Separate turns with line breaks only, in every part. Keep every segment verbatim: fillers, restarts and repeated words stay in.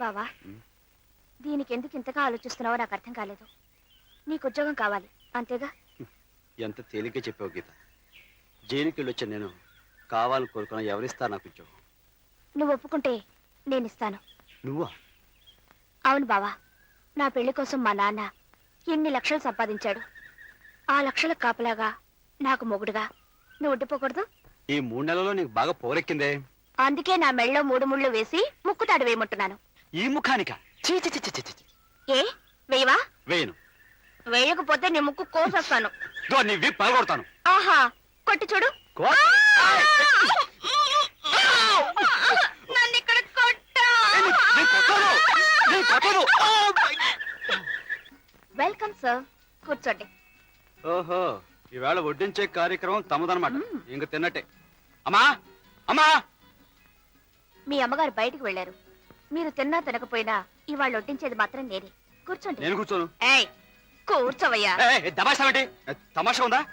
బావా, దీనికి ఎందుకు ఇంతగా ఆలోచిస్తున్నావో నాకు అర్థం కాలేదు. నీకు ఉద్యోగం కావాలి అంతేగా?
ఎంత తేలిగ్గా చెప్పావు గీత. జైలుకి వెళ్ళొచ్చా నేను కావాలని కోరుకున్నా ఎవరిస్తా నాకు ఉద్యోగం?
నువ్వు ఒప్పుకుంటే నేను ఇస్తాను.
నువ్వా?
అవును బావా, నా పెళ్లి కోసం మా నాన్న ఎన్ని లక్షలు సంపాదించాడు. ఆ లక్షలకు కాపలాగా నాకు మొగుడుగా నువ్వు ఉండిపోకూడదు?
ఈ మూడు నెలల్లో నీకు బాగా పోరెక్కిందే.
అందుకే నా మెళ్ళలో మూడు ముళ్ళు వేసి ముక్కుతాడు వేయమంటున్నాను.
ఈ ముఖానిక?
ఏ వేయవా?
వేయను.
వేయకపోతే నీ ముక్కు కోసేస్తాను.
పగొడతాను.
ఆహా, కొట్టి చూడు. నన్ను ఇక్కడ కొట్టా. వెల్కమ్ సార్, కూర్చోండి.
ఓహో, ఈవేళ వడ్డించే కార్యక్రమం తమదనమాట. ఇంక తిన్నట్టే. అమ్మా అమ్మా,
మీ అమ్మగారు బయటికి వెళ్ళారు. మీరు తిన్నా తినకపోయినా ఇవాళ వడ్డించేది మాత్రం నేనే. కూర్చోండి.
నేను కూర్చోను.
ఏయ్, కూర్చోవయ్యా.
తమాషా ఏంటి? తమాషా ఉందా?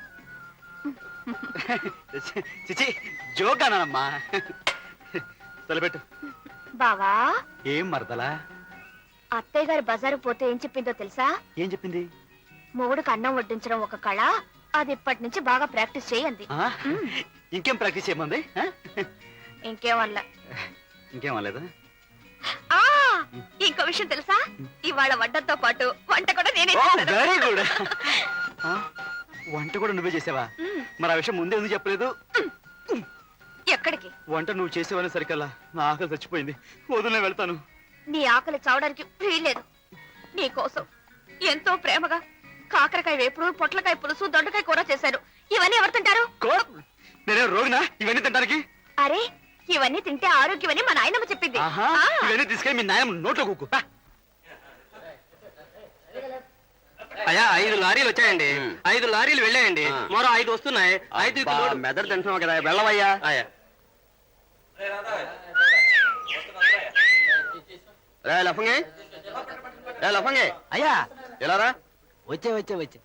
చిచి, జోగానమ్మా. తలపెట్టు.
బావా,
ఏం మరదలా?
అత్తయ్య గారు బజారు పోతే ఏం చెప్పిందో తెలుసా?
ఏం చెప్పింది?
మొగుడుకు అన్నం వడ్డించడం ఒక కళ, అది ఇప్పటి నుంచి బాగా ప్రాక్టీస్ చేయండి.
ఇంకేం ప్రాక్టీస్ చేయమంది?
ఇంకేమల్లా.
ఇంకేమలేదా?
ఇంకో విషయం తెలుసా? ఇవాళ వంటతో పాటు వంట కూడా నేనే.
Very good. వంట కూడా నువ్వే చేసావా? మరి ఆ విషయం ముందే ఎందుకు చెప్పలేదు?
ఎక్కడికి?
వంట నువ్వు చేసేవని సరికల్లా నా ఆకలి చచ్చిపోయింది. వదిలే వెళ్తాను.
నీ ఆకలి చావడానికి వీల్లేదు. నీ కోసం ఎంతో ప్రేమగా కాకరకాయ వేపుడు, పొట్లకాయ పులుసు, దొండకాయ కూర చేశారు. ఇవన్నీ ఎవరు తింటారు?
నేనే రోగినా ఇవన్నీ తింటానికి?
అరే, ఇవన్నీ తింటే ఆరోగ్యమని మా నాయనమ్మ చెప్పింది.
ఇవన్నీ తీసుకెళ్ళి మీ నాయనమ్మ నోట్లో కుక్కు.
అయ్యా, ఐదు లారీలు వచ్చాయండి. ఐదు లారీలు వెళ్ళాయండి. మరో ఐదు వస్తున్నాయి. ఐదు
మెదడు తింటున్నావు కదా, వెళ్ళవయ్యా. లఫంగి లఫంగి
అయ్యా,
ఎలారా?
వచ్చే వచ్చే వచ్చే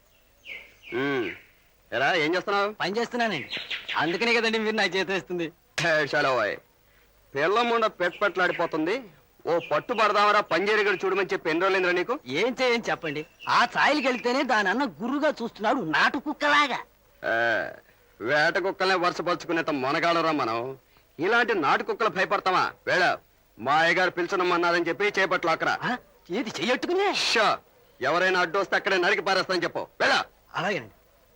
ఎరా, ఏం చేస్తున్నావు?
పని చేస్తున్నానండి. అందుకనే కదండి మీరు నాకు చేతి వేస్తుంది.
పిల్ల ముండ పెట్ పెట్లాడిపోతుంది. ఓ పట్టు పడదామరా, పంజేరిగడు చూడమని చెప్పి ఎన్ని రోజులైందిరా నీకు?
ఏం చేయని చెప్పండి. ఆ ఛాయలకి వెళ్తేనే దాని అన్న గురుగా చూస్తున్నాడు, నాటు కుక్కలాగా.
వేట కుక్కలనే వరుసపరుచుకునేంత మొనగాడరా మనం. ఇలాంటి నాటు కుక్కలు భయపడతామా? వేళ మా అయ్యగారు పిలుచునమ్మన్నారని చెప్పి చేపట్లు అక్కరా.
ఏది చెయ్యట్టుకునే?
ఎవరైనా అడ్డు వస్తే అక్కడే నరికి పారేస్తానని చెప్పు. వేళ.
అలాగేనండి.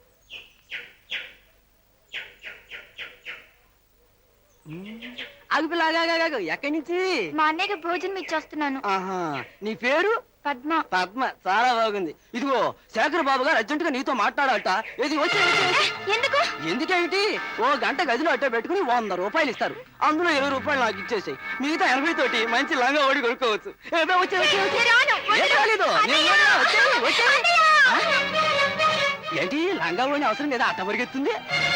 అగుపిలాగా ఎక్కడి నుంచి?
మా అన్నయ్యకి భోజనం ఇచ్చేస్తున్నాను.
ఆహా, నీ పేరు?
పద్మ.
పద్మ, చాలా బాగుంది. ఇదిగో శేఖర్ బాబు గారు అర్జెంట్ గా నీతో మాట్లాడాలట. ఇది వచ్చే.
ఎందుకు?
ఎందుకేమిటి, ఓ గంట గదిలో అట్టే పెట్టుకుని వంద రూపాయలు ఇస్తారు. అందులో ఇరవై రూపాయలు నాకు ఇచ్చేసాయి. మిగతా ఎనభై తోటి మంచి లంగా ఓడి కొనుక్కోవచ్చు. ఏంటి లంగా ఓడి అవసరం లేదా? అట్ట పరిగెత్తుంది.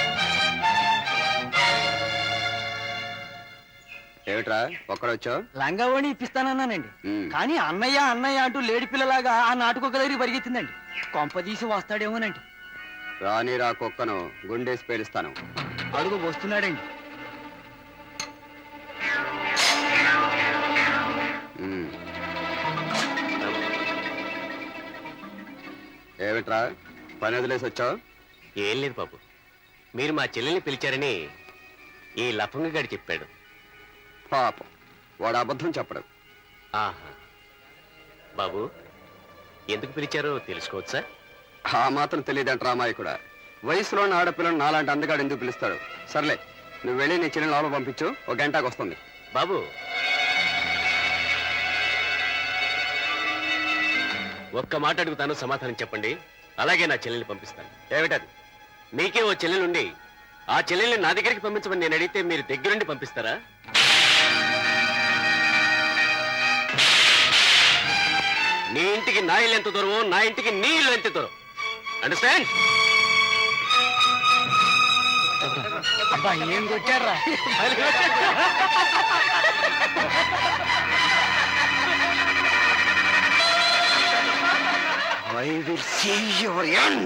ఏమిట్రా ఒక్కడొచ్చా?
లంగా ఓణి ఇప్పిస్తానన్నానండి. కానీ అన్నయ్య అన్నయ్య అంటూ లేడి పిల్లలాగా ఆ నాటుకొక్క దగ్గర పరిగెత్తిందండి. కొంపదీసి వస్తాడేమోనండి.
రాని రా కుక్కను గుండేసి పేలుస్తాను.
అడుగు వస్తున్నాడండి.
ఏమిట్రా పని వదిలేసి వచ్చావు?
ఏం లేదు బాబు, మీరు మా చెల్లెల్ని పిలిచారని ఈ లఫంగ గడి చెప్పాడు.
పాపం, వాడు అబద్ధం చెప్పడు.
ఆహా, బాబు ఎందుకు పిలిచారో తెలుసుకోవచ్చా?
ఆ మాత్రం తెలియదంట రామాయకుడా. వయసులోని ఆడపిల్లను నాలాంటి అందగాడు ఎందుకు పిలుస్తాడు? సర్లే, నువ్వు వెళ్ళి నీ చెల్లెని లోపల పంపించు, ఒక గంటకు వస్తుంది.
బాబు, ఒక్క మాట అడుగుతాను, సమాధానం చెప్పండి. అలాగే నా చెల్లెల్ని పంపిస్తాను.
ఏమిటది?
మీకే ఓ చెల్లెలుండి ఆ చెల్లెల్ని నా దగ్గరికి పంపించమని నేను అడిగితే మీరు దగ్గరుండి పంపిస్తారా? నీ ఇంటికి నా ఇల్లు ఎంత దూరమో నా ఇంటికి నీ ఇల్లు ఎంత దూరం. అండర్స్టాండ్?
అబ్బా, ఏం కొట్టారా?
I will see your end.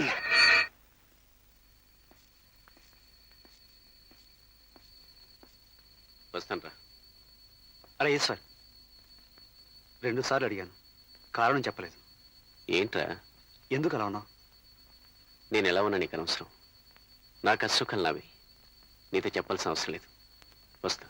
వస్తాను రా.
అరే ఈశ్వర్, రెండు సార్లు అడిగాను, కారణం చెప్పలేదు.
ఏంట్రా
ఎందుకు అలా ఉన్నావు?
నేను ఎలా ఉన్నా నీకు అనవసరం. నా కష్టం నావి, నీతో చెప్పాల్సిన అవసరం లేదు. వస్తా.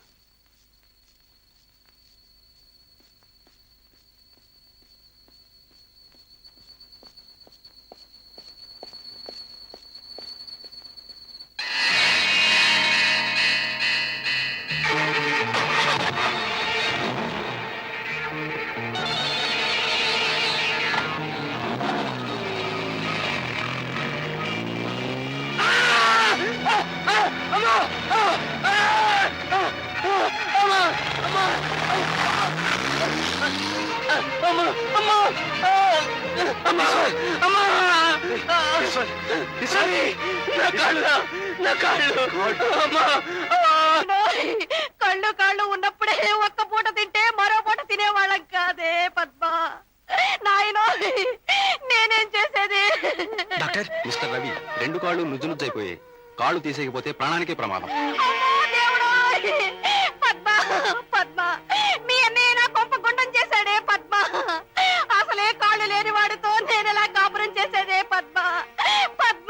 కళ్ళు కాళ్ళు ఉన్నప్పుడే ఒక్క పూట తింటే మరో పూట తినేవాళ్ళం కాదే పద్మ. నాయనో నేనేం చేసేది?
డాక్టర్, మిస్టర్ రవి, రెండు కాళ్ళు నుజ్జు నుజ్జైపోయాయి. కాళ్ళు తీసేయకపోతే ప్రాణానికే ప్రమాదం.
అమ్మో దేవుడోయ్! పద్మ పద్మ మీ అన్నయ్య నా కొంప గుండం చేశాడే పద్మ. అసలే కాళ్ళు లేని వాడితో నేను ఎలా కాపురం చేసేదే పద్మ పద్మ.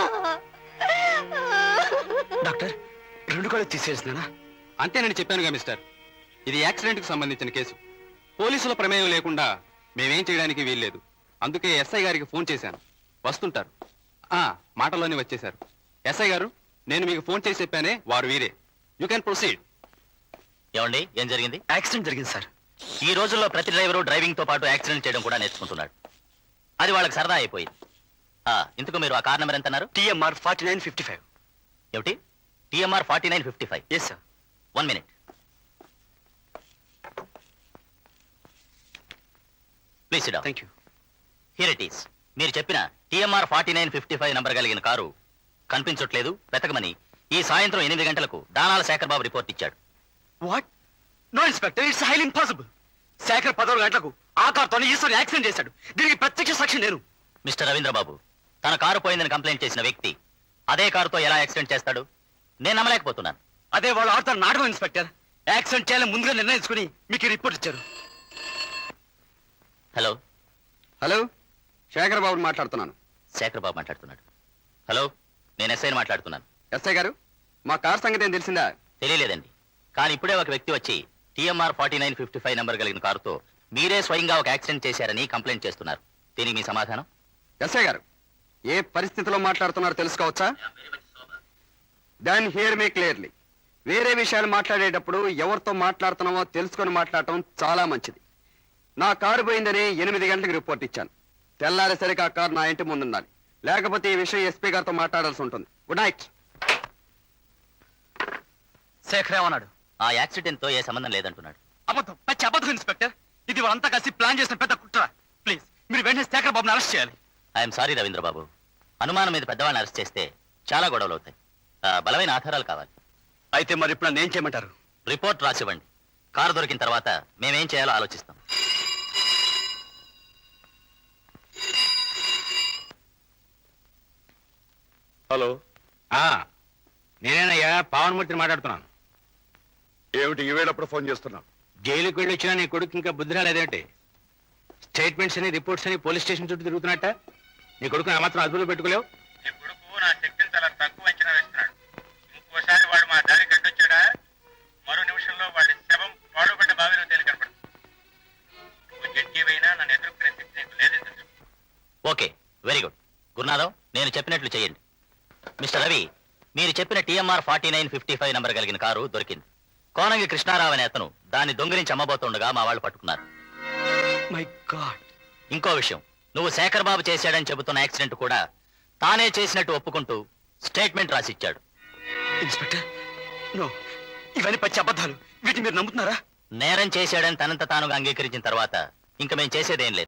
డాక్టర్, రెండు కాళ్ళు తీసేసినానా? అంతే నేను చెప్పానుగా మిస్టర్, ఇది యాక్సిడెంట్ కు సంబంధించిన కేసు. పోలీసుల ప్రమేయం లేకుండా మేమేం చేయడానికి వీల్లేదు. అందుకే ఎస్ఐ గారికి ఫోన్ చేశాను, వస్తుంటారు. ఆ మాటలోనే వచ్చేశారు. ఎస్ఐ గారు, నేను మీకు ఫోన్ చేసి చెప్పానే, వారు వీరే. You can proceed.
ఏమండి, ఏం జరిగింది?
యాక్సిడెంట్ జరిగింది సార్.
ఈ రోజుల్లో ప్రతి డ్రైవరు డ్రైవింగ్ తో పాటు యాక్సిడెంట్ చేయడం కూడా నేర్చుకుంటున్నాడు. అది వాళ్ళకి సరదా అయిపోయింది. ఆ, ఇంతకు మీరు ఆ కార్ నెంబర్ ఎంత అన్నారు?
TMR forty nine fifty five.
ఏమిటి? TMR forty nine fifty five.
Yes sir.
One minute please sit down.
Thank you.
Here it is. మీరు చెప్పిన TMR forty nine fifty five number కలిగిన కారు కనిపించట్లేదు, వెతకమని ఈ సాయంత్రం ఎనిమిది గంటలకు దానాల శేఖర్ బాబు రిపోర్ట్ ఇచ్చాడు.
What? No inspector, it's highly impossible. Shekhar పదహారు గంటలకు ఆ కార్తో ఈశ్వర్ యాక్సిడెంట్ చేశాడు. దీనికి ప్రత్యక్ష సాక్షి నేను.
మిస్టర్ రవీంద్రబాబు, తన కారు పోయిందని కంప్లైంట్ చేసిన వ్యక్తి అదే కారుతో ఎలా యాక్సిడెంట్ చేస్తాడు? నేను నమ్మలేకపోతున్నాను.
అదే వాళ్ళు ఆడుతున్న నాటకం ఇన్స్పెక్టర్. యాక్సిడెంట్ చేయాలని ముందుగా నిర్ణయించుకుని మీకు ఈ రిపోర్ట్ ఇచ్చారు.
హలో
హలో, శేఖర్ బాబు మాట్లాడుతున్నాను.
శేఖర్ బాబు మాట్లాడుతున్నాడు. హలో, నేను ఎస్ఐని మాట్లాడుతున్నాను.
ఎస్ఐ గారు, మా కార్ సంగతి ఏం తెలిసిందా?
తెలియలేదండి, కానీ ఇప్పుడే ఒక వ్యక్తి వచ్చి TMR forty nine fifty five number కలిగిన కారుతో మీరే స్వయంగా ఒక యాక్సిడెంట్ చేశారని కంప్లైంట్ చేస్తున్నారు. దీనికి మీ సమాధానం?
ఎస్ఐ గారు, ఏ పరిస్థితిలో మాట్లాడుతున్నారో తెలుసుకోవచ్చా? Don't hear me clearly. వేరే విషయాలు మాట్లాడేటప్పుడు ఎవరితో మాట్లాడుతున్నామో తెలుసుకొని మాట్లాడటం చాలా మంచిది. నా కారు పోయిందని ఎనిమిది గంటలకు రిపోర్ట్ ఇచ్చాను. తెల్లారేసరికి ఆ కారు నా ఇంటి ముందుండాలి, లేకపోతే ఈ విషయం ఎస్పీ గారితో మాట్లాడాల్సి ఉంటుంది. Good night.
శేఖర్ ఏమన్నాడు?
ఆ యాక్సిడెంట్ తో ఏ సంబంధం లేదంటున్నాడు.
అబద్ధం, పచ్చి అబద్ధం ఇన్స్పెక్టర్. ఇది వాళ్ళంతా కలిసి ప్లాన్ చేసిన పెద్ద కుట్ర. ప్లీజ్ మీరు వెంటనే శేఖర్ బాబుని అరెస్ట్ చేయాలి.
ఐఎమ్ సారీ రవీంద్రబాబు, అనుమానం మీద పెద్దవాళ్ళని అరెస్ట్ చేస్తే చాలా గొడవలు అవుతాయి. ఆ, బలమైన ఆధారాలు కావాలి.
అయితే మరి ఇప్పుడు నన్ను ఏం చేయమంటారు?
రిపోర్ట్ రాసివ్వండి. కారు దొరికిన తర్వాత మేమేం చేయాలో ఆలోచిస్తాం.
హలో, నేనేనయ్యా పావనమూర్తిని మాట్లాడుతున్నాను.
ఏమిటి ఈవేళప్పుడు ఫోన్ చేస్తున్నావు?
జైలుకి వెళ్ళి వచ్చినా నీ కొడుకు ఇంకా బుద్ధి రాలేదేంటి? స్టేట్మెంట్స్ అని రిపోర్ట్స్ అని పోలీస్ స్టేషన్ చుట్టూ తిరుగుతున్నట్ట. నీ కొడుకు నా మాత్రం అదుపులో పెట్టుకోలేవు.
నీ కొడుకు నా శక్తిని చాలా తక్కువ అంచనా వేస్తున్నాడు. ఇంకోసారి వాడు మా దారి గడ్డొచ్చాడా, మరో నిమిషంలో వాడి శవం పాడుపడ్డ బావిలో తేలి కనపడుతుంది. నువ్వు జడ్జీవైనా నన్ను ఎదుర్కొనే శక్తి నీకు లేదని తెలుసు.
Okay, very good. గురునాథం, నేను చెప్పినట్లు చేయండి. మిస్టర్ రవి, మీరు చెప్పిన TMR forty nine fifty five number కలిగిన కారు దొరికింది. కోనంగి కృష్ణారావు అనే అతను దాన్ని దొంగిలించి అమ్మబోతుండగా మా వాళ్ళు పట్టుకున్నారు.
My God.
ఇంకో విషయం, నువ్వు శేఖర్ బాబు చేశాడని చెబుతున్న యాక్సిడెంట్ కూడా తానే చేసినట్టు ఒప్పుకుంటూ స్టేట్మెంట్ రాసిచ్చాడు.
ఇన్స్పెక్టర్, నో, ఇవన్నీ పచ్చి అబద్ధాలు. వీటిని మీరు నమ్ముతున్నారా?
నేరం చేశాడని తనంత తానుగా అంగీకరించిన తర్వాత ఇంక మేము చేసేదేం లేదు.